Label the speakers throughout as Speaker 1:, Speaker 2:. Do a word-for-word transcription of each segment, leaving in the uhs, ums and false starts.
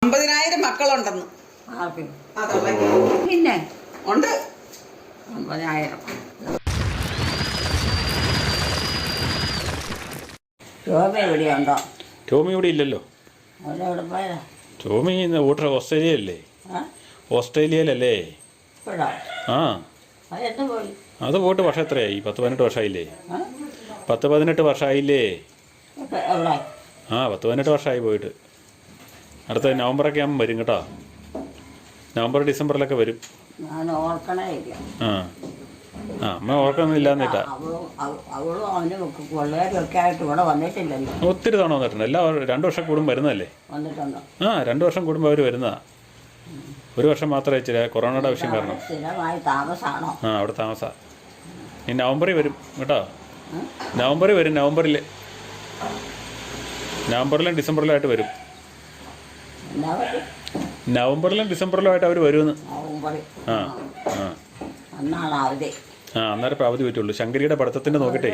Speaker 1: അമ്പതിനായിരം മക്കളുണ്ടെന്ന്.
Speaker 2: പിന്നെ
Speaker 1: ഉണ്ട്
Speaker 2: അമ്പതിനായിരം. ടോമി എവിടെയുണ്ടോ?
Speaker 3: ടോമി ഇവിടെ ഇല്ലല്ലോ.
Speaker 2: അവരെവിടെ പോയതാ?
Speaker 3: ടോമി വോട്ടർ ഓസ്ട്രേലിയയിലല്ലേ? ഓസ്ട്രേലിയയിലല്ലേ? ആ
Speaker 2: അതെന്ത് പോയി?
Speaker 3: അത് പോയിട്ട് വർഷം എത്രയായി? പത്ത് പതിനെട്ട് വർഷമായില്ലേ? പത്ത് പതിനെട്ട് വർഷമായില്ലേ?
Speaker 2: എവിടെ?
Speaker 3: ആ പത്ത് പതിനെട്ട് വർഷമായി പോയിട്ട്. അടുത്ത നവംബറൊക്കെ ആകുമ്പോൾ വരും കേട്ടോ. നവംബർ ഡിസംബറിലൊക്കെ വരും.
Speaker 2: ഞാൻ ഓർക്കണേ ഇല്ല.
Speaker 3: ആ ആ അമ്മ ഓർക്കൊന്നുമില്ലാന്നിട്ടാ.
Speaker 2: അവളും അവനും പിള്ളേരും ഒക്കെ ആയിട്ട് ഇവിടെ വന്നിട്ടില്ലല്ലോ.
Speaker 3: ഒത്തിരി തവണ വന്നിട്ടുണ്ട്. എല്ലാ രണ്ടു വർഷം കൂടുമ്പോൾ വരുന്നതല്ലേ?
Speaker 2: വന്നിട്ടുണ്ടോ?
Speaker 3: ആ രണ്ടു വർഷം കൂടുമ്പോൾ അവർ വരുന്നതാ. ഒരു വർഷം മാത്രമേ ഇച്ചിരി കൊറോണയുടെ ആവശ്യം കാരണം.
Speaker 2: സ്ഥിരമായി താമസമാണോ?
Speaker 3: ആ അവിടെ താമസാ. ഈ നവംബറിൽ വരും കേട്ടോ. നവംബറിൽ വരും. നവംബറിൽ നവംബറിലും ഡിസംബറിലായിട്ട് വരും. നവംബറിലും ഡിസംബറിലുമായിട്ട് അവർ വരുമെന്ന്. ആ ആ
Speaker 2: അന്നാണ് അവധി.
Speaker 3: ആ അന്നേരം ഇപ്പോൾ അവധി പറ്റുള്ളൂ. ശങ്കരിയുടെ പഠിത്തത്തിൻ്റെ നോക്കട്ടെ.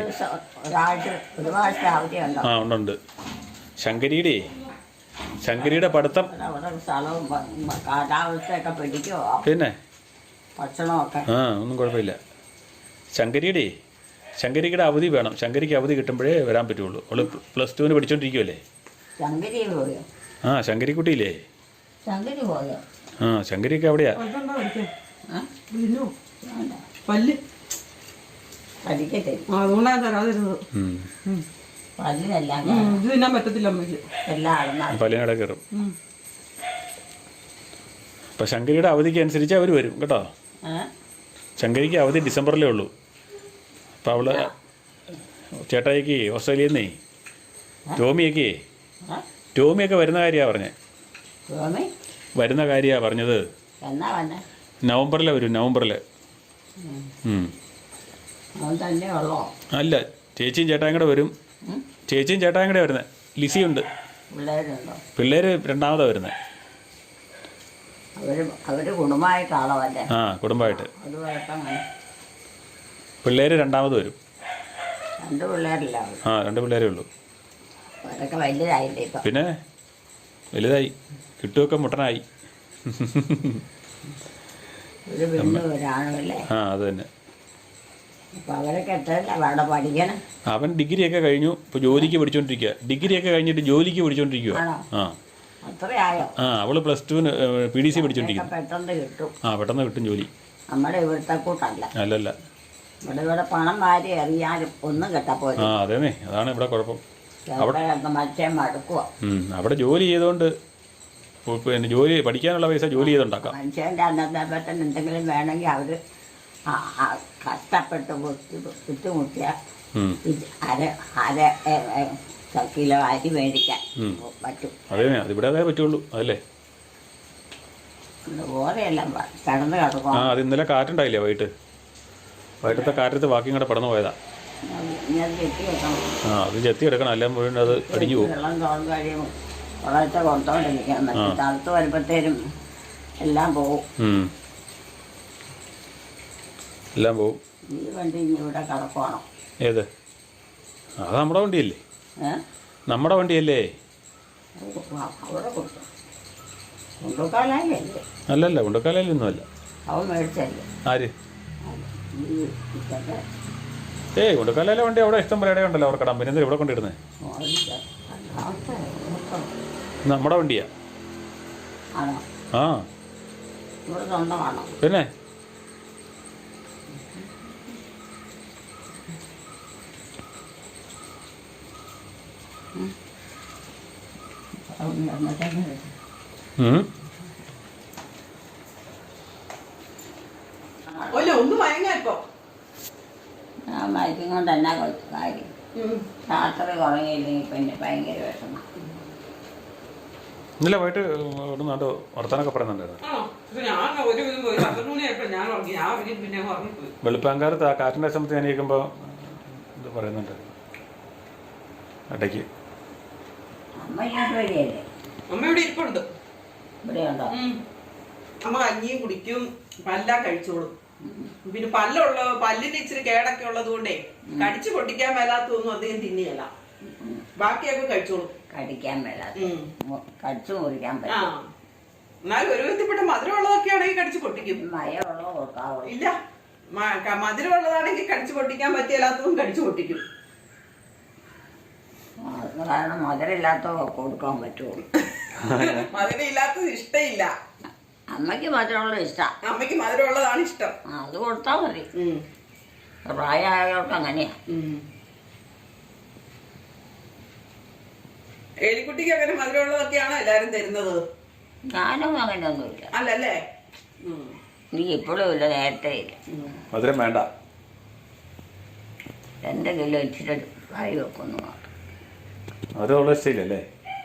Speaker 3: ആ ഉണ്ടുണ്ട്. ശങ്കരിയുടെ ശങ്കരിയുടെ പഠിത്തം പിന്നെ
Speaker 2: ഭക്ഷണമൊക്കെ
Speaker 3: ആ ഒന്നും കുഴപ്പമില്ല. ശങ്കരിയുടെ ശങ്കരിയുടെ അവധി വേണം. ശങ്കരിക്ക് അവധി കിട്ടുമ്പോഴേ വരാൻ പറ്റുള്ളൂ. അവള് പ്ലസ് ടുവിന് പഠിച്ചോണ്ടിരിക്കുമല്ലേ? ആ ശങ്കരിക്കുട്ടിയില്ലേ? ആ ശങ്കരിയൊക്കെ അവിടെയാ. പല്ലിനട കയറും. അപ്പൊ ശങ്കരിയുടെ അവധിക്ക് അനുസരിച്ച് അവർ വരും കേട്ടോ. ശങ്കരിക്ക് അവധി ഡിസംബറിലേ ഉള്ളൂ. അപ്പം അവള് ചേട്ടായിക്ക് ഓസ്ട്രേലിയയിൽ നിന്നേ ടോമിയൊക്കെ ടോമിയൊക്കെ വരുന്ന കാര്യമാണ് പറഞ്ഞത്. വരുന്ന കാര്യമാണ് പറഞ്ഞത്. നവംബറിലെ വരും. നവംബറില്. അല്ല ചേച്ചിയും ചേട്ടായും കൂടെ വരും. ചേച്ചിയും ചേട്ടായും കൂടെ വരുന്നത്. ലിസിയുണ്ട്. പിള്ളേര് രണ്ടാമതാണ് വരുന്നത്. ആ കുടുംബമായിട്ട്. പിള്ളേര് രണ്ടാമത് വരും. ആ രണ്ട് പിള്ളേരേ ഉള്ളൂ. പിന്നെ വലുതായി. കിട്ടുമൊക്കെ മുട്ടനായി. ആ അത് തന്നെ. അവൻ ഡിഗ്രിയൊക്കെ കഴിഞ്ഞു. ഇപ്പൊ ജോലിക്ക് പഠിച്ചോണ്ടിരിക്കുക. ഡിഗ്രിയൊക്കെ കഴിഞ്ഞിട്ട് ജോലിക്ക് പഠിച്ചോണ്ടിരിക്കുക. ആ ആ അവള് പ്ലസ് ടുവിന് പി ഡി സി പഠിച്ചോണ്ടിരിക്കും. ആ പെട്ടെന്ന് കിട്ടും ജോലി. അല്ലല്ല
Speaker 2: പണം വാരി എറിയാനും ഒന്നും കിട്ടപ്പോ.
Speaker 3: ആ അതേന്നേ അതാണ് ഇവിടെ കുഴപ്പം. അവിടെ ജോലി ചെയ്തോണ്ട് പിന്നെ ജോലി പഠിക്കാനുള്ള പൈസ ജോലി ചെയ്തുണ്ടാക്കാം.
Speaker 2: മനുഷ്യൻ്റെ അന്നത്തെ പറ്റം എന്തെങ്കിലും വേണമെങ്കിൽ അവര് കഷ്ടപ്പെട്ട് ബുദ്ധിമുട്ടിയ അര അര കിലോ അരി മേടിക്കാൻ പറ്റും.
Speaker 3: അതെ അതിവിടെ അതേ പറ്റുള്ളൂ. അതല്ലേ
Speaker 2: ഓരെല്ലാം കിടന്ന് കിടക്കും.
Speaker 3: ആ അത് ഇന്നലെ കാറ്റുണ്ടായില്ലേ വൈകിട്ട്? വൈകിട്ടത്തെ കാറ്റത്ത് ബാക്കിയും കൂടെ പടന്നു പോയതാ. ആ അത് ചെത്തി എടുക്കണം. എല്ലാം വീണ്ടും അത് അടിഞ്ഞു പോകും.
Speaker 2: വെള്ളം തോന്നു കഴിയുമ്പോൾ കുറേശ്ശെ കൊടുത്തോണ്ടിരിക്കാൻ തണുത്ത് വരുമ്പോഴത്തേനും എല്ലാം പോവും.
Speaker 3: എല്ലാം പോവും.
Speaker 2: ഈ വണ്ടി ഇവിടെ കിടക്കുവാണോ?
Speaker 3: ഏത്? അത് നമ്മുടെ വണ്ടിയല്ലേ? നമ്മുടെ വണ്ടിയല്ലേ?
Speaker 2: അവിടെ കൊടുത്തു. ഉണ്ടുക്കാലല്ലേ?
Speaker 3: അല്ലല്ല ഉണ്ടുക്കാലൊന്നും അല്ല.
Speaker 2: അവൻ മേടിച്ചല്ലേ?
Speaker 3: ആര്? ഏയ് ഉണ്ടുക്കാലയിലെ വണ്ടി അവിടെ ഇഷ്ടം പോലെ ഇടയുണ്ടല്ലോ. അവിടെ കടാൻ. പിന്നെ എന്താ ഇവിടെ കൊണ്ടിടുന്നത്? നമ്മുടെ വണ്ടിയാ. ആ പിന്നെ
Speaker 1: ഒന്ന് മയങ്ങായിപ്പോ
Speaker 2: ഞാൻ മയക്കും കൊണ്ട് എന്നാ കൊടുത്തു കാര്യം. രാത്രി കുറങ്ങിയില്ലെങ്കിൽ പിന്നെ ഭയങ്കര വിഷമം.
Speaker 3: ഇന്നലെ പോയിട്ട് നാട്ടോ വർത്താനൊക്കെ പറയുന്നുണ്ടായിരുന്നു. വെളുപ്പാങ്കാലത്ത് ആ കാറ്റിൻ്റെ സമയത്ത് ഞാൻ ഇരിക്കുമ്പോൾ ഇത് പറയുന്നുണ്ടായിരുന്നു ഇടയ്ക്ക്.
Speaker 1: അമ്മ ഇവിടെ ഇരിപ്പുണ്ട്.
Speaker 2: ഇവിടെയുണ്ടോ?
Speaker 1: അമ്മ കഞ്ഞിയും കുടിക്കും. പല്ലാം കഴിച്ചോളും. പിന്നെ പല്ലുള്ള പല്ലിന് ഇച്ചിരി കേടൊക്കെ ഉള്ളത് കൊണ്ടേ കടിച്ചു പൊട്ടിക്കാൻ മേലാത്തൊന്നും അധികം തിന്നിയല്ല. ബാക്കിയൊക്കെ കഴിച്ചോളും.
Speaker 2: കടിക്കാൻ മേലാത്ത കടിച്ചു മുറിക്കാൻ പറ്റും.
Speaker 1: എന്നാലും ഒരു വിധത്തിൽപ്പെട്ട മധുരമുള്ളതൊക്കെ ആണെങ്കിൽ കടിച്ചു പൊട്ടിക്കും.
Speaker 2: മയമുള്ളത് കൊടുക്കാവോ?
Speaker 1: ഇല്ല, മ- ക- മധുരമുള്ളതാണെങ്കിൽ കടിച്ചു പൊട്ടിക്കാൻ പറ്റിയല്ലാത്തതും കടിച്ചു പൊട്ടിക്കും.
Speaker 2: അത് കാരണം മധുരമില്ലാത്ത കൊടുക്കാൻ പറ്റുള്ളൂ.
Speaker 1: മധുരം ഇല്ലാത്തത് ഇഷ്ടമില്ല.
Speaker 2: അമ്മയ്ക്ക് മധുരമുള്ളത് ഇഷ്ടമാണ്.
Speaker 1: അമ്മയ്ക്ക് മധുരമുള്ളതാണ് ഇഷ്ടം.
Speaker 2: അത് കൊടുത്താൽ മതി.
Speaker 1: ഉം.
Speaker 2: പ്രായമായവർക്ക് അങ്ങനെയാ.
Speaker 1: ഉം. എലിക്കുട്ടിക്ക് അങ്ങനെ മധുരമുള്ളതൊക്കെയാണോ എല്ലാരും തരുന്നത്?
Speaker 2: ഞാനും അങ്ങനെയൊന്നുമില്ല.
Speaker 1: അല്ലല്ലേ? ഉം.
Speaker 2: എനിക്ക് ഇപ്പോഴും ഇല്ല, നേരത്തെ ഇല്ല.
Speaker 1: ഉം.
Speaker 3: മധുരം വേണ്ട.
Speaker 2: എന്തെങ്കിലും ഇച്ചിരി കറി വെക്കുന്നു മാത്രം.
Speaker 3: മധുരമുള്ള ഇഷ്ടമില്ലല്ലേ?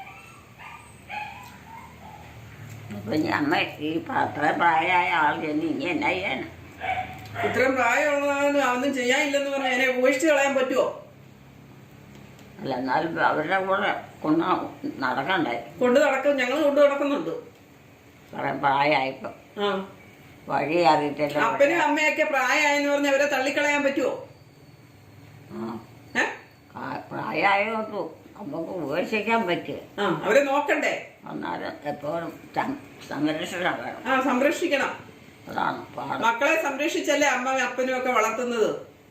Speaker 2: ഇപ്പം ഇനി അമ്മ ഈ അത്ര പ്രായമായ ആൾ ചെന്ന് ഇനി എന്നാ ചെയ്യാനാ?
Speaker 1: ഇത്രയും പ്രായമുള്ളതാണ് ഒന്നും ചെയ്യാനില്ലെന്ന് പറഞ്ഞാൽ എന്നെ ഉപേക്ഷിച്ച് കളയാൻ പറ്റുമോ?
Speaker 2: അല്ല, എന്നാലും അവരുടെ കൂടെ കൊണ്ട് നടക്കണ്ടേ?
Speaker 1: കൊണ്ട് നടക്കും, ഞങ്ങൾ കൊണ്ട് നടക്കുന്നുണ്ട്.
Speaker 2: കുറെ പ്രായമായിപ്പം
Speaker 1: ആ,
Speaker 2: വഴി അറിയത്തില്ല.
Speaker 1: അപ്പനും അമ്മയൊക്കെ പ്രായമായെന്ന് പറഞ്ഞ് അവരെ തള്ളിക്കളയാൻ പറ്റുമോ?
Speaker 2: ആ,
Speaker 1: ഏ
Speaker 2: ആ, പ്രായമായതുകൊണ്ട് നമുക്ക് ഉപേക്ഷിക്കാൻ പറ്റുക.
Speaker 1: ആ, അവരെ നോക്കണ്ടേ?
Speaker 2: എന്നാലും എപ്പോഴും സം- സംരക്ഷണം വേണം.
Speaker 1: ആ, സംരക്ഷിക്കണം.
Speaker 2: അതാണ് പാട്.
Speaker 1: മക്കളെ സംരക്ഷിച്ചല്ലേ അമ്മയും അപ്പനും ഒക്കെ വളർത്തുന്നത്.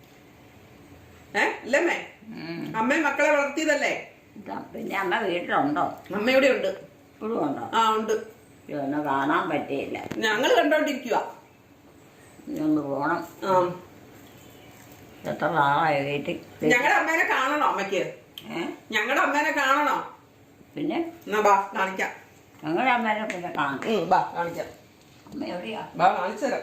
Speaker 1: ഏ അല്ലമ്മേ?
Speaker 2: ഉം.
Speaker 1: അമ്മയും മക്കളെ വളർത്തിയതല്ലേ?
Speaker 2: ഇതാ, പിന്നെ അമ്മ വീട്ടിലുണ്ടോ?
Speaker 1: അമ്മ ഇവിടെ ഉണ്ട്.
Speaker 2: ഇപ്പോഴും ഉണ്ടോ?
Speaker 1: ആ, ഉണ്ട്.
Speaker 2: ഇതൊന്നും കാണാൻ പറ്റിയില്ല.
Speaker 1: ഞങ്ങൾ കണ്ടോണ്ടിരിക്കുക.
Speaker 2: ഇനി ഒന്ന് പോണം.
Speaker 1: ആ,
Speaker 2: എത്ര നാളായി വീട്ടിൽ.
Speaker 1: ഞങ്ങളുടെ അമ്മേനെ കാണണോ അമ്മയ്ക്ക്?
Speaker 2: ഏ
Speaker 1: ഞങ്ങളുടെ അമ്മേനെ കാണണോ?
Speaker 2: പിന്നെ
Speaker 1: എന്നാ ബാ കാണിക്കാം.
Speaker 2: ഞങ്ങളുടെ അമ്മേനെ പിന്നെ കാണാം.
Speaker 1: ഉം, ബാ കാണിക്കാം.
Speaker 2: അമ്മ എവിടെയാ?
Speaker 1: ബാ കാണിച്ചു തരാം.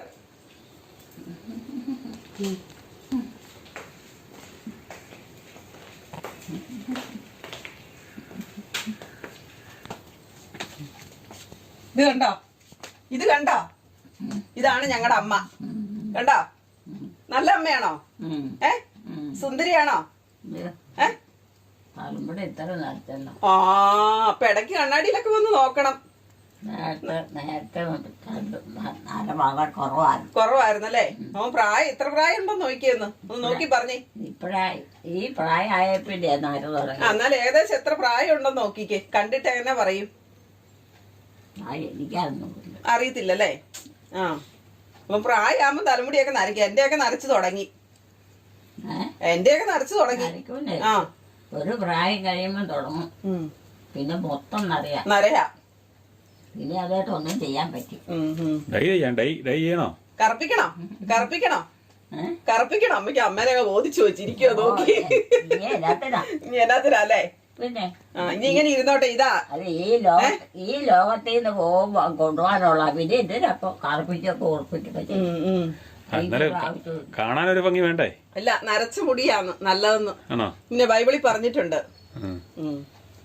Speaker 1: ഇത് കണ്ടോ? ഇത് കണ്ടോ? ഇതാണ് ഞങ്ങളുടെ അമ്മ. കണ്ടോ? നല്ല അമ്മയാണോ?
Speaker 2: ഉം.
Speaker 1: ഏ സുന്ദരിയാണോ?
Speaker 2: ഇത്
Speaker 1: ഏ
Speaker 2: തലമുടി ഇത്ര നേരത്തല്ലോ.
Speaker 1: ആ, അപ്പൊ ഇടയ്ക്ക് കണ്ണാടിയിലൊക്കെ വന്ന് നോക്കണം.
Speaker 2: നേരത്തെ നേരത്തെ നല്ല വളരെ കുറവായിരുന്നു.
Speaker 1: കുറവായിരുന്നല്ലേ? അവൻ പ്രായം ഇത്ര പ്രായം ഉണ്ടോ നോക്കിയെന്ന് ഒന്ന് നോക്കി പറഞ്ഞേ.
Speaker 2: ഇപ്പഴായി ഈ പ്രായമായപ്പിന്റെ നേരം തുടങ്ങി.
Speaker 1: ആ, എന്നാൽ ഏകദേശം എത്ര പ്രായം ഉണ്ടെന്ന് നോക്കിക്കേ. കണ്ടിട്ട് എങ്ങനെ പറയും?
Speaker 2: ആ, എനിക്കതൊന്നും ഇല്ല.
Speaker 1: അറിയത്തില്ലല്ലേ? ആ, അപ്പൊ പ്രായമാകുമ്പോ തലമുടിയൊക്കെ നരയ്ക്കുക. എന്റെയൊക്കെ നരച്ചു തുടങ്ങി.
Speaker 2: ഏഹ്
Speaker 1: എന്റെയൊക്കെ നരച്ചു തുടങ്ങി.
Speaker 2: നരയ്ക്കൂലേ?
Speaker 1: ആ,
Speaker 2: ഒരു പ്രായം കഴിയുമ്പോൾ തുടങ്ങും.
Speaker 1: ഉം.
Speaker 2: പിന്നെ മൊത്തം നരയാ.
Speaker 1: നരയാ.
Speaker 2: പിന്നെ അതായിട്ട് ഒന്നും ചെയ്യാൻ പറ്റും.
Speaker 1: ഉം, ഉം.
Speaker 3: ഡൈ ചെയ്യാം. ഡൈ ഡൈ ചെയ്യണോ?
Speaker 1: കറുപ്പിക്കണോ? കറുപ്പിക്കണോ?
Speaker 2: ഏഹ്
Speaker 1: കറുപ്പിക്കണോ? അമ്മയ്ക്ക് അമ്മേനെ ബോധിച്ചു വെച്ചിരിക്കുവോ നോക്കി.
Speaker 2: ഇനി എന്നാത്തിനാ?
Speaker 1: ഇനി എന്നാത്തിനല്ലേ?
Speaker 2: പിന്നെ
Speaker 1: ആ, ഇനി ഇങ്ങനെ ഇരുന്നോട്ടെ. ഇതാ
Speaker 2: അത് ഈ ലോക ഈ ലോകത്തിൽ നിന്ന് പോകുമ്പോ കൊണ്ടുപോകാനുള്ള പിന്നെ എന്തിനപ്പൊ കറുപ്പിച്ചൊക്കെ ഉറപ്പിച്ചൊക്കെ ചെയ്യും.
Speaker 1: ഉം, ഉം.
Speaker 3: എന്നാലും കാണാനൊരു ഭംഗി വേണ്ടേ?
Speaker 1: അല്ല, നരച്ച മുടിയാന്ന് നല്ലതെന്ന്
Speaker 3: ആണോ?
Speaker 1: പിന്നെ ബൈബിളിൽ പറഞ്ഞിട്ടുണ്ട്.
Speaker 3: ഉം.
Speaker 1: ഉം.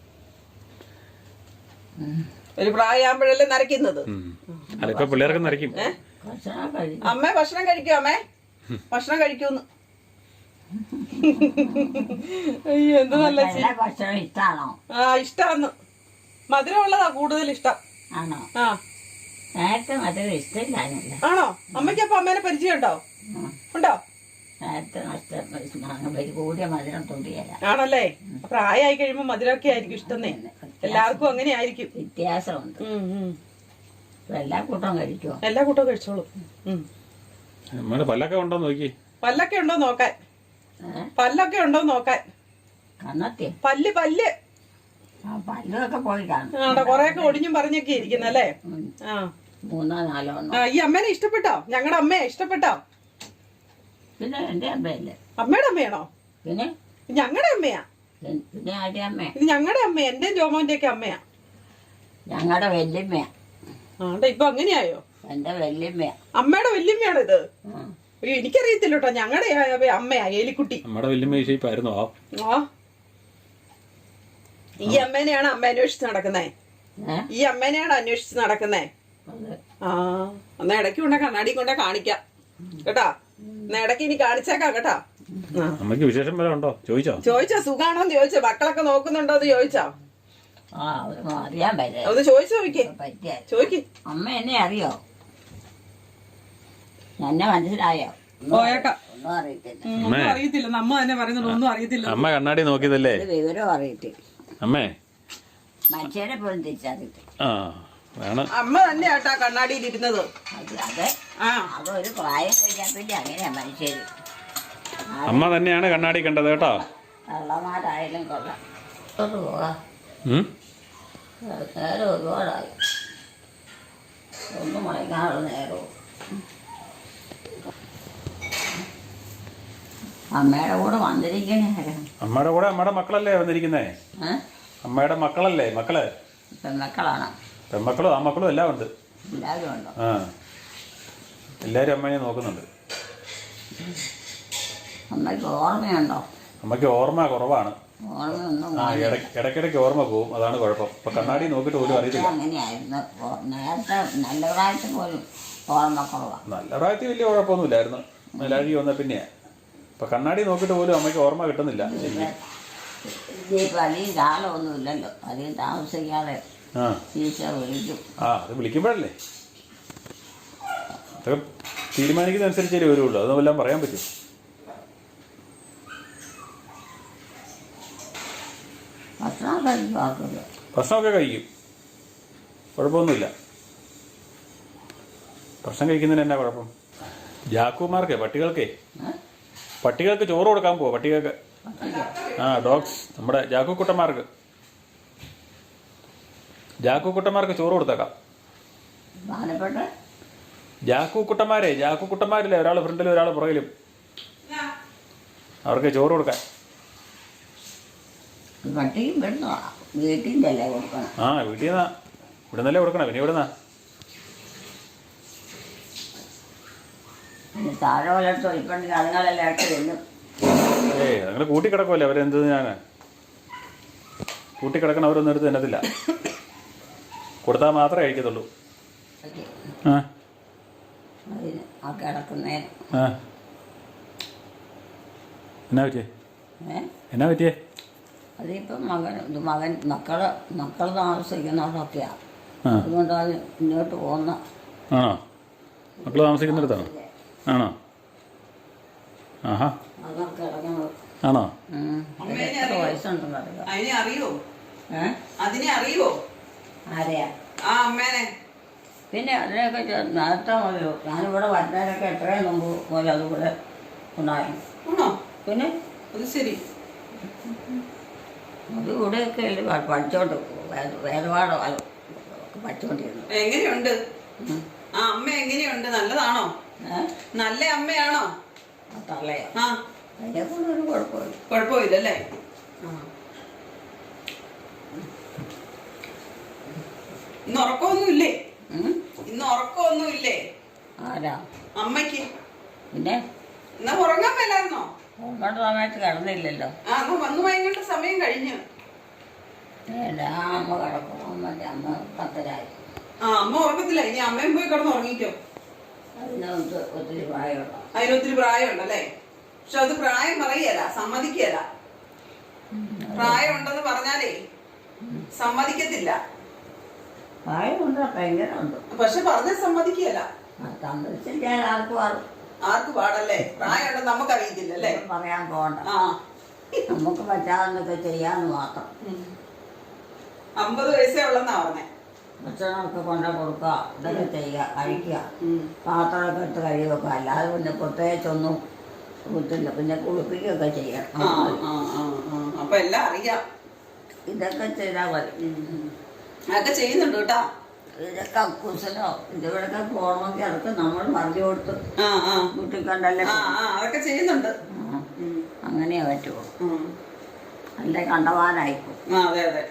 Speaker 1: ഒരു പ്രായമാകുമ്പോഴല്ലേ നരയ്ക്കുന്നത്.
Speaker 3: ഉം. അല്ല ഇപ്പൊ പിള്ളേർക്ക് നരയ്ക്കും.
Speaker 2: ഭക്ഷണം കഴിക്കും.
Speaker 1: അമ്മേ ഭക്ഷണം കഴിക്കോ? അമ്മേ ഭക്ഷണം കഴിക്കൂന്ന്. അയ്യോ, എന്ത് നല്ല ചി-
Speaker 2: എല്ലാ ഭക്ഷണം ഇഷ്ടാണോ?
Speaker 1: ആ, ഇഷ്ടാന്ന്. മധുരമുള്ളതാ കൂടുതൽ ഇഷ്ടം.
Speaker 2: ആണോ?
Speaker 1: ആ,
Speaker 2: നേരത്തെ മധുരം ഇഷ്ടമില്ലാന്നല്ല.
Speaker 1: ആണോ? അമ്മയ്ക്ക് അപ്പൊ അമ്മേനെ പരിചയം ഉണ്ടോ? ഉണ്ടോ?
Speaker 2: നേരത്തെ നഷ്ടം കൂടിയ മധുരം തൊണ്ടിയല്ല.
Speaker 1: ആണല്ലേ? പ്രായമായി കഴിയുമ്പോ മധുരമൊക്കെ ആയിരിക്കും ഇഷ്ടന്നേ. എല്ലാവർക്കും അങ്ങനെ ആയിരിക്കും.
Speaker 2: വ്യത്യാസമുണ്ട്.
Speaker 1: ഉം, ഉം.
Speaker 2: ഇപ്പൊ എല്ലാ കൂട്ടവും കഴിക്കുമോ?
Speaker 1: എല്ലാ കൂട്ടവും കഴിച്ചോളൂ. ഉം.
Speaker 3: നമ്മുടെ പല്ലൊക്കെ ഉണ്ടോ നോക്കി.
Speaker 1: പല്ലൊക്കെ ഉണ്ടോ നോക്കാൻ.
Speaker 2: ഏഹ്
Speaker 1: പല്ലൊക്കെ ഉണ്ടോ നോക്കാൻ.
Speaker 2: കണ്ണത്തി
Speaker 1: പല്ല് പല്ല്
Speaker 2: ആ പല്ലൊക്കെ പോയി കാണും.
Speaker 1: ആണ്ടോ കൊറേയൊക്കെ ഒടിഞ്ഞും പറഞ്ഞൊക്കെ ഇരിക്കുന്നല്ലേ?
Speaker 2: ഉം.
Speaker 1: ആ,
Speaker 2: മൂന്നോ നാലോ
Speaker 1: ആ,
Speaker 2: ഒന്നോ.
Speaker 1: ഈ അമ്മേനെ ഇഷ്ടപ്പെട്ടോ? ഞങ്ങളുടെ അമ്മയെ ഇഷ്ടപ്പെട്ടോ?
Speaker 2: പിന്നെ എന്റെ അമ്മയല്ലേ.
Speaker 1: അമ്മയുടെ അമ്മയാണോ?
Speaker 2: പിന്നെ
Speaker 1: ഞങ്ങളുടെ അമ്മയാ.
Speaker 2: എൻ- പിന്നെ ആരുടെ അമ്മ?
Speaker 1: ഇത് ഞങ്ങളുടെ അമ്മ. എന്റെയും ജോമോന്റെ ഒക്കെ അമ്മയാ.
Speaker 2: ഞങ്ങളുടെ വല്യമ്മയാ.
Speaker 1: ആണ്ടെ ഇപ്പൊ അങ്ങനെയായോ?
Speaker 2: എന്റെ വല്യമ്മയാ.
Speaker 1: അമ്മയുടെ വല്യമ്മയാണ് ഇത്.
Speaker 2: ഉം.
Speaker 1: അയ്യോ, എനിക്കറിയത്തില്ല കേട്ടോ. ഞങ്ങളുടെ അമ്മയാ ഏലിക്കുട്ടി.
Speaker 3: നമ്മുടെ വലിയ ഷേപ്പായിരുന്നോ?
Speaker 1: ആ, ഈ അമ്മേനെയാണ് അമ്മ അന്വേഷിച്ച് നടക്കുന്നേ.
Speaker 2: ഏഹ്
Speaker 1: ഈ അമ്മേനെയാണ് അന്വേഷിച്ച് നടക്കുന്നേ.
Speaker 2: അത്
Speaker 1: ആ, എന്നാ ഇടയ്ക്ക് കൊണ്ട കണ്ണാടി കൊണ്ട കാണിക്കാം കേട്ടാ. എന്നാ ഇടയ്ക്ക് ഇനി കാണിച്ചേക്കാം കേട്ടാ. ആ,
Speaker 3: അമ്മയ്ക്ക് വിശേഷം വരെ ഉണ്ടോ ചോദിച്ചോ?
Speaker 1: ചോദിച്ചോ? സുഖാണോന്ന് ചോദിച്ചോ? മക്കളൊക്കെ നോക്കുന്നുണ്ടോ എന്ന് ചോദിച്ചോ?
Speaker 2: ആ അതൊന്നും അറിയാൻ പറ്റേ
Speaker 1: ഒന്ന് ചോദിച്ചു നോക്കിക്കേ.
Speaker 2: പറ്റിയ
Speaker 1: ചോദിക്ക്.
Speaker 2: അമ്മ എന്നെ അറിയോ? എന്നെ മനസ്സിലായോ?
Speaker 1: പോയേക്കാം.
Speaker 2: ഒന്നും അറിയത്തില്ല.
Speaker 1: ഉം, ഒന്നും അറിയത്തില്ല. നമ്മ തന്നെ പറയുന്നുള്ളൂ, ഒന്നും അറിയത്തില്ല.
Speaker 3: അമ്മ കണ്ണാടി നോക്കിയതല്ലേ?
Speaker 2: ഒരു വിവരം അറിയത്തില്ല.
Speaker 3: അമ്മേ
Speaker 2: മനുഷ്യരെ പോലും തിരിച്ചറിയത്തില്ല.
Speaker 3: ആ അതാണ്
Speaker 1: അമ്മ തന്നെയാട്ടാ കണ്ണാടിയിൽ ഇരുന്നത്.
Speaker 2: അത് അതെ
Speaker 1: ആ
Speaker 2: അതൊരു പ്രായം കഴിഞ്ഞാൽ പിന്നെ അങ്ങനെയാ മനുഷ്യർ.
Speaker 3: അമ്മ തന്നെയാണ് കണ്ണാടി കണ്ടത് കേട്ടോ.
Speaker 2: കള്ളന്മാരായാലും കൊള്ളാം. ഇങ്ങോട്ട് പോകാം.
Speaker 3: ഉം?
Speaker 2: നേരം ഒരുപാടായി. ഒന്നും മയങ്ങാനുള്ള നേരവും. അമ്മയുടെ കൂടെ വന്നിരിക്കണേ ആരാണ്?
Speaker 3: അമ്മയുടെ കൂടെ അമ്മയുടെ മക്കളല്ലേ വന്നിരിക്കുന്നേ?
Speaker 2: ഏഹ്
Speaker 3: അമ്മയുടെ മക്കളല്ലേ മക്കള്?
Speaker 2: പെൺമക്കളാണ്.
Speaker 3: പെൺമക്കളും ആമക്കളും എല്ലാം ഉണ്ട്.
Speaker 2: എല്ലാവരും ഉണ്ടോ?
Speaker 3: ആ എല്ലാവരും അമ്മയെ നോക്കുന്നുണ്ട്.
Speaker 2: അമ്മയ്ക്ക് ഓർമ്മയുണ്ടോ?
Speaker 3: അമ്മയ്ക്ക് ഓർമ്മ കുറവാണ്.
Speaker 2: ഓർമ്മയൊന്നും
Speaker 3: ആ ഇടയ്ക്ക് ഇടയ്ക്കിടയ്ക്ക് ഓർമ്മ പോവും, അതാണ് കുഴപ്പം. ഇപ്പൊ കണ്ണാടി നോക്കിയിട്ട് പോലും അറിയത്തില്ല.
Speaker 2: അങ്ങനെയായിരുന്നു. ഓ- നേരത്തെ നല്ല പ്രായത്തിൽ പോലും ഓർമ്മ കുറവാണ്.
Speaker 3: നല്ല പ്രായത്തിൽ വലിയ കുഴപ്പമൊന്നുമില്ലായിരുന്നു. മലയാളി വന്ന പിന്നെയാ. ഇപ്പൊ കണ്ണാടി നോക്കിയിട്ട് പോലും അമ്മയ്ക്ക് ഓർമ്മ കിട്ടുന്നില്ല.
Speaker 2: ഇനിയിപ്പോൾ അധികം കാലമൊന്നും ഇല്ലല്ലോ. അധികം താമസിക്കാതെ
Speaker 3: ആ
Speaker 2: ടീച്ചർ വിളിക്കും.
Speaker 3: ആ അത് വിളിക്കുമ്പോഴല്ലേ അതൊക്കെ തീരുമാനിക്കുന്നതനുസരിച്ചേ വരുള്ളൂ. അതൊന്നും എല്ലാം പറയാൻ പറ്റും.
Speaker 2: ഭക്ഷണം കഴിക്കും ആക്കില്ല.
Speaker 3: ഭക്ഷണമൊക്കെ കഴിക്കും, കുഴപ്പമൊന്നുമില്ല. ഭക്ഷണം കഴിക്കുന്നതിന് എന്നാ കുഴപ്പം? ജാക്കുമാർക്കേ പട്ടികൾക്കേ പട്ടികൾക്ക് ചോറ് കൊടുക്കാൻ പോവാ. പട്ടികൾക്ക് ആ ഡോഗ്സ് നമ്മുടെ ജാക്കു കുട്ടന്മാർക്ക് ജാക്കു കുട്ടന്മാർക്ക് ചോറ് കൊടുത്തേക്കാം.
Speaker 2: പ്രധാനപ്പെട്ട
Speaker 3: ജാക്കു കുട്ടന്മാരെ ജാക്കു കുട്ടന്മാരില്ലേ, ഒരാൾ ഫ്രണ്ടിലും ഒരാൾ പുറകിലും, അവർക്ക് ചോറ് കൊടുക്കാൻ.
Speaker 2: പട്ടിയും പെണ്ണു വീട്ടിൻ്റെ അല്ലേ കൊടുക്കണം.
Speaker 3: ആ വീട്ടിൽ നിന്നാ, ഇവിടെ നിന്നല്ലേ കൊടുക്കണം. പിന്നെ ഇവിടെ നിന്നാ
Speaker 2: പിന്നെ താഴെ വല്ലട്ടോ ഇപ്പം അതുങ്ങളെല്ലാം ഇട്ട് ചെല്ലും.
Speaker 3: ഏയ് നിങ്ങൾ കൂട്ടിക്കിടക്കുമല്ലേ അവരെന്ത്? ഞാൻ കൂട്ടിക്കിടക്കണം, അവരൊന്നും എടുത്ത് തന്നത്തില്ല. കൊടുത്താൽ മാത്രമേ കഴിക്കത്തുള്ളൂ. ആ
Speaker 2: അതിന് ആ കിടക്കുന്നതിന്.
Speaker 3: ആ എന്നാ പറ്റിയേ?
Speaker 2: ഏ
Speaker 3: എന്നാ പറ്റിയേ?
Speaker 2: അതിപ്പം മകൻ ഇത് മകൻ മക്കള് മക്കൾ താമസിക്കുന്നവരൊക്കെയാണ്.
Speaker 3: ആ
Speaker 2: അതുകൊണ്ട് അത് ഇങ്ങോട്ട് പോകുന്ന
Speaker 3: ആണോ? മക്കൾ താമസിക്കുന്നിടത്താണോ? ആണോ? ആഹാ
Speaker 2: അതൊക്കെ ഇറങ്ങുന്നത്.
Speaker 3: ആണോ?
Speaker 2: എത്ര വയസ്സുണ്ടെന്ന് അറിയാം.
Speaker 1: അതിനെ അറിയോ?
Speaker 2: ഏ
Speaker 1: അതിനെ അറിയോ?
Speaker 2: ആരെയാ?
Speaker 1: ആ അമ്മേനെ.
Speaker 2: പിന്നെ അതിനെയൊക്കെ ചെ- നേരത്തെ മുതൽ ഞാനിവിടെ വരുന്നതിനൊക്കെ എത്രയും മുമ്പ് മുതൽ അതുകൂടെ ഉണ്ടായിരുന്നു.
Speaker 1: ആണോ?
Speaker 2: പിന്നെ
Speaker 1: അത് ശരി.
Speaker 2: അത് ഇവിടെയൊക്കെ അല്ലേ പ- പഠിച്ചോണ്ട് വേദ- വേദപാഠം അത് പഠിച്ചോണ്ടിരുന്നു.
Speaker 1: എങ്ങനെയുണ്ട്
Speaker 2: ഉം.
Speaker 1: ആ അമ്മ? എങ്ങനെയുണ്ട്? നല്ലതാണോ?
Speaker 2: ഏ
Speaker 1: നല്ല അമ്മയാണോ?
Speaker 2: ആ തള്ളയോ?
Speaker 1: ആ
Speaker 2: അതിനെ കൊണ്ട് ഒരു കുഴപ്പമില്ല.
Speaker 1: കുഴപ്പമില്ലല്ലേ? ആ ഇന്ന് ഉറക്കമൊന്നുമില്ലേ?
Speaker 2: ഉം?
Speaker 1: ഇന്ന് ഉറക്കമൊന്നുമില്ലേ
Speaker 2: ആരാ?
Speaker 1: അമ്മയ്ക്ക്?
Speaker 2: പിന്നെ
Speaker 1: എന്നാ ഉറങ്ങാൻ മേലായിരുന്നോ?
Speaker 2: ഉറങ്ങേണ്ട സമയത്ത് കിടന്നില്ലല്ലോ.
Speaker 1: ആ എന്നാ വന്നു വൈകേണ്ട സമയം കഴിഞ്ഞു.
Speaker 2: എൻ്റെ ആ അമ്മ കിടക്കും. അമ്മൻ്റെ അമ്മ പത്തരായി.
Speaker 1: ആ അമ്മ ഉറക്കത്തില്ല. ഇനി അമ്മയും പോയി കിടന്ന് ഉറങ്ങിക്കോ.
Speaker 2: അതിനകത്ത് ഒത്തിരി പ്രായമുള്ള
Speaker 1: അതിനൊത്തിരി പ്രായമുണ്ടല്ലേ? പക്ഷെ അത് പ്രായം പറയല, സമ്മതിക്കല. പ്രായം ഉണ്ടെന്ന് പറഞ്ഞാലേ സമ്മതിക്കത്തില്ല.
Speaker 2: പ്രായമുണ്ട്, ഭയങ്കര ഉണ്ട്.
Speaker 1: പക്ഷെ പറഞ്ഞ സമ്മതിക്കല.
Speaker 2: സമ്മതിച്ചിരിക്കാൻ ആർക്കും ആർക്കും
Speaker 1: ആർക്ക് പാടല്ലേ? പ്രായം ഉണ്ടെന്ന് നമുക്കറിയത്തില്ലല്ലേ?
Speaker 2: പറയാൻ പോകണ്ട.
Speaker 1: ആ
Speaker 2: നമുക്ക് പറ്റാവുന്നൊക്കെ ചെയ്യാന്ന് മാത്രം.
Speaker 1: ഉം. അമ്പത് വയസ്സേ ഉള്ളെന്നാ പറഞ്ഞേ.
Speaker 2: ഭക്ഷണമൊക്കെ കൊണ്ട കൊടുക്കുക, ഇതൊക്കെ ചെയ്യുക, കഴിക്കുക,
Speaker 1: ഉം.
Speaker 2: പാത്രമൊക്കെ എടുത്ത് കഴിയുക. അല്ലാതെ പിന്നെ പ്രത്യേകിച്ചൊന്നും കുത്തില്ല. പിന്നെ കുളിപ്പിക്കുകയൊക്കെ ചെയ്യണം.
Speaker 1: ആ ആ ആ ആ അപ്പൊ എല്ലാം അറിയാം.
Speaker 2: ഇതൊക്കെ ചെയ്താൽ മതി.
Speaker 1: ഉം. അതൊക്കെ ചെയ്യുന്നുണ്ട് കേട്ടാ.
Speaker 2: ഇതൊക്കെ കുസലോ ഇതിവിടൊക്കെ പോകണമെങ്കിൽ അതൊക്കെ നമ്മൾ പറഞ്ഞു കൊടുത്ത്
Speaker 1: ആ ആ
Speaker 2: വീട്ടിൽ കണ്ടല്ലേ.
Speaker 1: ആ ആ അതൊക്കെ ചെയ്യുന്നുണ്ട്.
Speaker 2: ആ,
Speaker 1: ഉം.
Speaker 2: അങ്ങനെയേ പറ്റുള്ളൂ.
Speaker 1: ഉം.
Speaker 2: അല്ലേ കണ്ടവാനായിപ്പോ.
Speaker 1: ആ അതെ അതെ.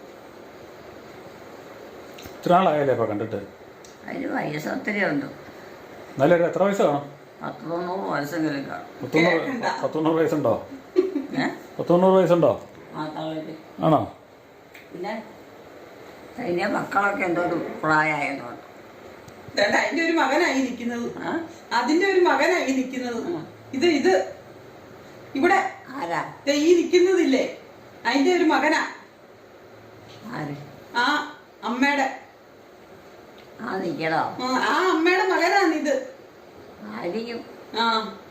Speaker 3: ഇത്ര നാളായല്ലേ ഇപ്പൊ കണ്ടിട്ട്?
Speaker 2: അതിന് വയസ്സ് ഒത്തിരി ഉണ്ട്.
Speaker 3: എന്നാലും എത്ര വയസ്സ് കാണും?
Speaker 2: പത്ത് തൊണ്ണൂറ് വയസ്സെങ്കിലും കാണും.
Speaker 3: പത്തൊന്നൂറ് പത്തൊണ്ണൂറ് വയസ്സുണ്ടോ?
Speaker 2: ഏ
Speaker 3: പത്തൊണ്ണൂറ് വയസ്സുണ്ടോ?
Speaker 2: ആ തള്ളിട്ട്
Speaker 3: ആണോ?
Speaker 2: പിന്നെ അതിൻ്റെ മക്കളൊക്കെ എന്തോ ഒരു പ്രായമായതുകൊണ്ട്.
Speaker 1: ദേണ്ട, അതിന്റെ ഒരു മകനായി നിൽക്കുന്നത്.
Speaker 2: ആ
Speaker 1: അതിന്റെ ഒരു മകനായി നിൽക്കുന്നത്. ഇത് ഇത് ഇവിടെ
Speaker 2: ആരാ?
Speaker 1: ദേ ഈ നിൽക്കുന്നതില്ലേ, അതിന്റെ ഒരു മകനാ.
Speaker 2: ആര്?
Speaker 1: ആ അമ്മയുടെ
Speaker 2: ആ നിൽക്കണോ?
Speaker 1: ആ, ആ അമ്മയുടെ മകനാണിത്.
Speaker 2: ആയിരിക്കും.
Speaker 1: ആ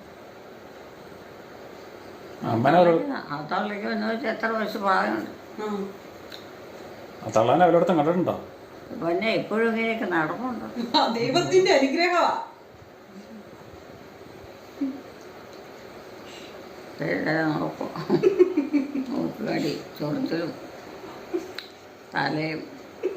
Speaker 3: അമ്മനെ
Speaker 2: ആ തള്ളിക്ക് എന്ന് വെച്ചാൽ എത്ര വയസ്സ് പ്രായമുണ്ട്?
Speaker 1: ആ.
Speaker 3: തള്ളാനെ അവരോടത്തും കണ്ടിട്ടുണ്ടോ?
Speaker 2: പിന്നെ ഇപ്പോഴും ഇങ്ങനെയൊക്കെ നടന്നുണ്ടോ?
Speaker 1: ആ, ദൈവത്തിന്റെ അനുഗ്രഹമാ.
Speaker 2: നോക്കും നോക്കുകാടി ചൊറിച്ചിലും തലയും.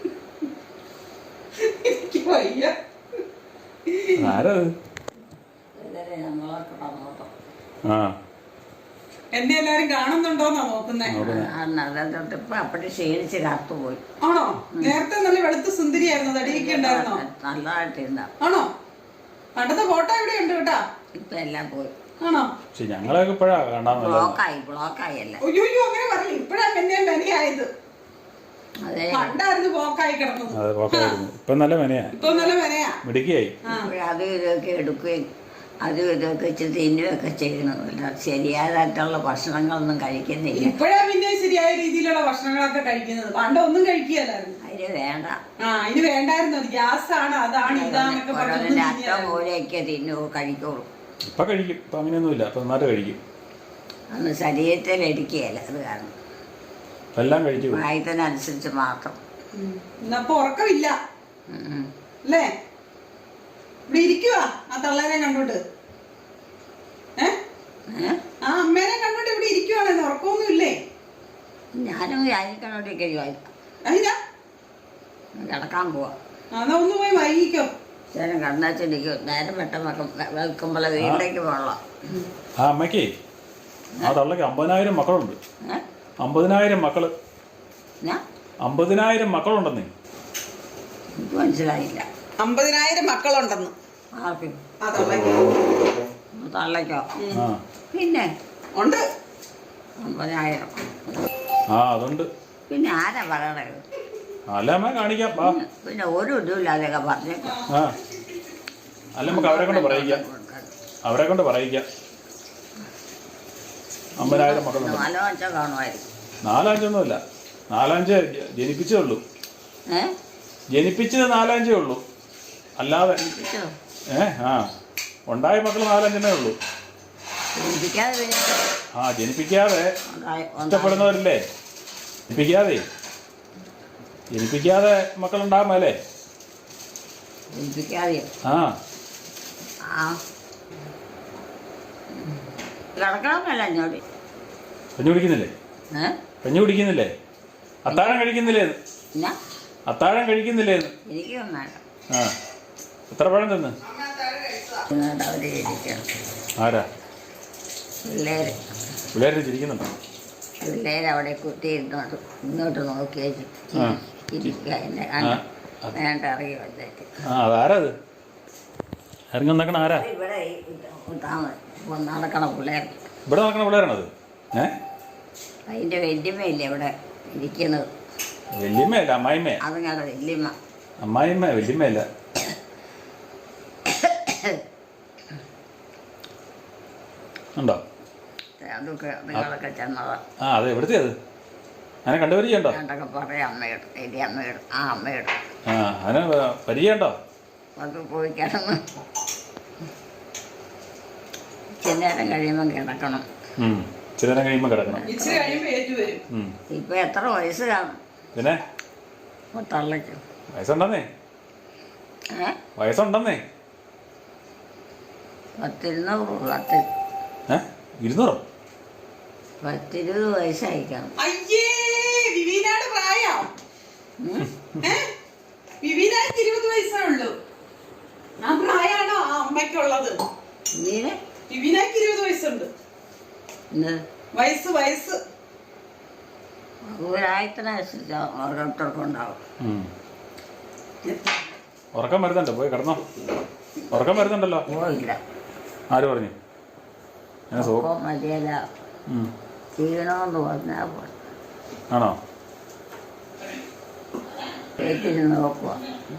Speaker 1: എനിക്ക് വയ്യ.
Speaker 3: ആരത്?
Speaker 2: ഇതല്ലേ നമ്മളൊക്കെ പറഞ്ഞോട്ടോ.
Speaker 3: ആ
Speaker 1: എന്നെ എല്ലാരും കാണുന്നുണ്ടോന്നാ നോക്കുന്നേ.
Speaker 2: ഇപ്പൊ അപ്പഴേ ക്ഷീണിച്ച് കത്തുപോയി.
Speaker 1: ആണോ? നേരത്തെ നല്ല വെളുത്ത സുന്ദരിയായിരുന്നു, തടിയൊക്കെ ഉണ്ടായിരുന്നോ?
Speaker 2: നല്ലതായിട്ടിരുന്ന.
Speaker 1: ആണോ? പണ്ടത്തെ ഫോട്ടോ എവിടെ ഉണ്ട് കേട്ടാ?
Speaker 2: ഇപ്പൊ എല്ലാം പോയി.
Speaker 1: ആണോ?
Speaker 3: പക്ഷെ ഞങ്ങളൊക്കെ ഇപ്പഴാ കാണാൻ
Speaker 2: ബ്ലോക്കായി ബ്ലോക്കായി അല്ല.
Speaker 1: അയ്യോ അങ്ങനെ പറഞ്ഞു. ഇപ്പഴാ പിന്നെ മെനയായത്.
Speaker 2: അതെ,
Speaker 1: പണ്ടായിരുന്നു ബ്ലോക്കായി കിടന്നത്.
Speaker 3: അതെ ബ്ലോക്കായിരുന്നു. ഇപ്പൊ നല്ല മെനയാ,
Speaker 1: ഇപ്പൊ നല്ല മെനയാ,
Speaker 3: മിടുക്കിയായി.
Speaker 2: അത് ഇതൊക്കെ എടുക്കുകയും അതും ഇതൊക്കെ ഇച്ചിരി തിന്നുകയൊക്കെ ചെയ്യണമില്ല. ശരിയായിട്ടുള്ള ഭക്ഷണങ്ങളൊന്നും കഴിക്കുന്നില്ല.
Speaker 1: ഇപ്പഴാ പിന്നെ ശരിയായ രീതിയിലുള്ള ഭക്ഷണങ്ങളൊക്കെ കഴിക്കുന്നത്. പണ്ട് ഒന്നും കഴിക്കുകയല്ലായിരുന്നു.
Speaker 2: അതിന് വേണ്ട.
Speaker 1: ആ അതിന് വേണ്ടായിരുന്നു. അത് ഗ്യാസ് ആണ്, അതാണ് ഇതാന്നൊക്കെ
Speaker 2: ഓരോന്നിന്റെ അറ്റം മൂലയൊക്കെ തിന്നു കഴിക്കുള്ളൂ.
Speaker 3: ഇപ്പൊ കഴിക്കും. ഇപ്പൊ അങ്ങനെയൊന്നുമില്ല. ഇപ്പൊ നന്നായിട്ട് കഴിക്കും.
Speaker 2: അന്ന് ശരീരത്തിൽ എടുക്കുകയല്ല, അത് കാരണം
Speaker 3: എല്ലാം കഴിച്ചു.
Speaker 2: പ്രായത്തിനനുസരിച്ച് മാത്രം.
Speaker 1: ഇന്നപ്പൊ ഉറക്കമില്ല അല്ലേ? ഇവിടെ ഇരിക്കുവാ ആ തള്ളേനെ കണ്ടോണ്ട്. ഏ ആ അമ്മേനെ കണ്ടോണ്ട് ഇവിടെ ഇരിക്കുവാണെന്ന്. ഉറക്കമൊന്നും ഇല്ലേ?
Speaker 2: ഞാനും ആയിരിക്കണോട്ടൊക്കെ
Speaker 1: അതിനാ
Speaker 2: കിടക്കാൻ പോവാ.
Speaker 1: എന്നാ ഒന്ന് പോയി വൈകിക്കോ.
Speaker 2: ചേട്ടൻ കണ്ണാച്ചിരിക്കും. നേരം പെട്ടെന്നൊക്കെ വെക്കുമ്പോൾ വീട്ടിലേക്ക് പോകണം.
Speaker 3: ആ അമ്മയ്ക്ക് ആ തള്ളക്ക് അമ്പതിനായിരം മക്കളുണ്ട്. അമ്പതിനായിരം മക്കള്. അമ്പതിനായിരം മക്കളുണ്ടെന്നേ.
Speaker 2: എനിക്ക് മനസ്സിലായില്ല.
Speaker 1: അമ്പതിനായിരം മക്കളുണ്ടെന്ന്
Speaker 2: ആർക്കും?
Speaker 1: ആ തള്ളയ്ക്ക്.
Speaker 2: തള്ളയ്ക്കോ?
Speaker 3: ആ
Speaker 2: പിന്നെ
Speaker 1: ഉണ്ട്
Speaker 2: അമ്പതിനായിരം.
Speaker 3: ആ അതുണ്ട്.
Speaker 2: പിന്നെ ആരാ പറയണത്?
Speaker 3: അല്ല അമ്മ കാണിക്കാം. ആ
Speaker 2: പിന്നെ ഒരു ഇതുമില്ലാതെയൊക്കെ പറഞ്ഞേക്കാം.
Speaker 3: ആ അല്ല നമുക്ക് അവരെ കൊണ്ട് പറയിക്കാം. അവരെ കൊണ്ട് പറയിക്കാം. അമ്പതിനായിരം മക്കളുണ്ട്.
Speaker 2: നാലോ അഞ്ചോ കാണുമായിരിക്കും.
Speaker 3: നാലഞ്ചൊന്നുമില്ല. നാലഞ്ച് ജനിപ്പിച്ചേ ഉള്ളൂ.
Speaker 2: ഏ
Speaker 3: ജനിപ്പിച്ചത് നാലഞ്ചേ ഉള്ളൂ. അല്ലാതെ ഏ ആ ഉണ്ടായ മക്കൾ നാലഞ്ചെണ്ണേ ഉള്ളൂ.
Speaker 2: ജനിപ്പിക്കാതെ
Speaker 3: ആ ജനിപ്പിക്കാതെ ഇഷ്ടപ്പെടുന്നവരില്ലേ? ജനിപ്പിക്കാതെ ജനിപ്പിക്കാതെ മക്കളുണ്ടാകുമല്ലേ?
Speaker 2: ജനിപ്പിക്കാതെയോ?
Speaker 3: ആ
Speaker 2: ആ കിടക്കണമെന്നല്ല എന്നോട്.
Speaker 3: കഞ്ഞി കുടിക്കുന്നില്ലേ?
Speaker 2: ഏ
Speaker 3: കഞ്ഞി കുടിക്കുന്നില്ലേ? അത്താഴം കഴിക്കുന്നില്ലേ?
Speaker 2: എന്നാ
Speaker 3: അത്താഴം കഴിക്കുന്നില്ലേ?
Speaker 2: എനിക്കൊന്നും വേണ്ട.
Speaker 3: ആ എത്ര പഴം തിന്ന്?
Speaker 2: എന്നിട്ട് അവര് ഇരിക്കണം.
Speaker 3: ആരാ?
Speaker 2: പിള്ളേര്
Speaker 3: പിള്ളേർ ചിരിക്കുന്നുണ്ടോ?
Speaker 2: പിള്ളേര് അവിടെ കുത്തി ഇരുന്നോട്ട് ഇങ്ങോട്ട് നോക്കിയാ
Speaker 3: ആ.
Speaker 2: ഇരിക്കുക. എന്നെ
Speaker 3: ആ
Speaker 2: കണ്ട് വേണ്ട ഇറങ്ങി വന്നേക്ക്.
Speaker 3: ആ അതാരാ? അത് ഇറങ്ങി വന്നേക്കണ ആരാ?
Speaker 2: ഇവിടെ നടക്കണ പിള്ളേർ.
Speaker 3: ഇവിടെ നടക്കണ പിള്ളേരാണത്? ഏ
Speaker 2: അതിൻ്റെ വല്യമ്മയില്ലേ ഇവിടെ ഇരിക്കുന്നത്?
Speaker 3: വല്യമ്മയല്ല, അമ്മായിമ്മ.
Speaker 2: അതുങ്ങളുടെ വല്യമ്മ.
Speaker 3: അമ്മായിമ്മ വല്യമ്മയല്ല. ഉണ്ടോ?
Speaker 2: അതൊക്കെ നിങ്ങളൊക്കെ ചെന്നതാ.
Speaker 3: ആ അതെ. എവിടുത്തെ അത്? അതിനെ കണ്ടുപരിചയുണ്ടോ?
Speaker 2: വേണ്ടൊക്കെ പറയാം. അമ്മയോട് വലിയ അമ്മയോട്. ആ അമ്മയോട്.
Speaker 3: ആ അതിനെ പരിചയമുണ്ടോ?
Speaker 2: അത് പോയി കിടന്ന് ഇച്ചിരി നേരം കഴിയുമ്പം കിടക്കണം.
Speaker 3: ഇച്ചിരി നേരം കഴിയുമ്പോൾ കിടക്കണം.
Speaker 1: ഇച്ചിരി കഴിയുമ്പോ ഏറ്റു വരും.
Speaker 2: ഇപ്പൊ എത്ര വയസ്സ് കാണും?
Speaker 3: പിന്നെ
Speaker 2: തള്ളയ്ക്ക്
Speaker 3: വയസ്സുണ്ടെന്നേ.
Speaker 2: ഏ
Speaker 3: വയസ്സുണ്ടെന്നേ.
Speaker 2: പത്തിരുന്നൂറ് പത്ത്
Speaker 3: ഏ ഇരുന്നൂറോ?
Speaker 2: പത്തിരുപത് വയസ്സായിക്കണം.
Speaker 1: അയ്യേ വിവീനാട് പ്രായം. വിവീനാക്ക് ഇരുപത് വയസ്സേ ഉള്ളൂ. ആ പ്രായമാണോ ആ അമ്മയ്ക്കുള്ളത്?
Speaker 2: ഇങ്ങനെ
Speaker 1: വിവീനാക്ക് ഇരുപത് വയസ്സുണ്ട്. വയസ്സ് വയസ്സ്
Speaker 2: ഒരായത്തിനനുസരിച്ച് ഓരോരുത്തർക്കും ഉണ്ടാവും.
Speaker 3: ഉറക്കം വരുന്നുണ്ടോ? പോയി കിടന്നോ. ഉറക്കം വരുന്നുണ്ടല്ലോ.
Speaker 2: പോയില്ല.
Speaker 3: ആര് പറഞ്ഞു?
Speaker 2: മതിയല്ല ചെയ്യണമെന്ന് പറഞ്ഞാൽ പോലെ
Speaker 3: ആണോ?
Speaker 2: വീട്ടിൽ നോക്കുക.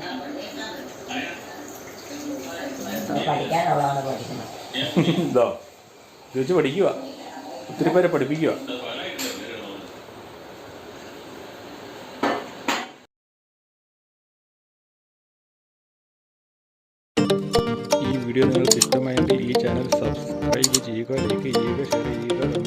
Speaker 2: പഠിക്കാനുള്ളതാണ് പഠിക്കണം.
Speaker 3: ഇതോ ചോദിച്ച് പഠിക്കുക. ഒത്തിരി പേരെ പഠിപ്പിക്കുക. ഈ വീഡിയോ നിങ്ങൾക്ക് ഇഷ്ടമായെങ്കിൽ ഈ ചാനൽ സബ്സ്ക്രൈബ് ചെയ്യുക, ലൈക്ക് ചെയ്യുക, ഷെയർ ചെയ്യുക.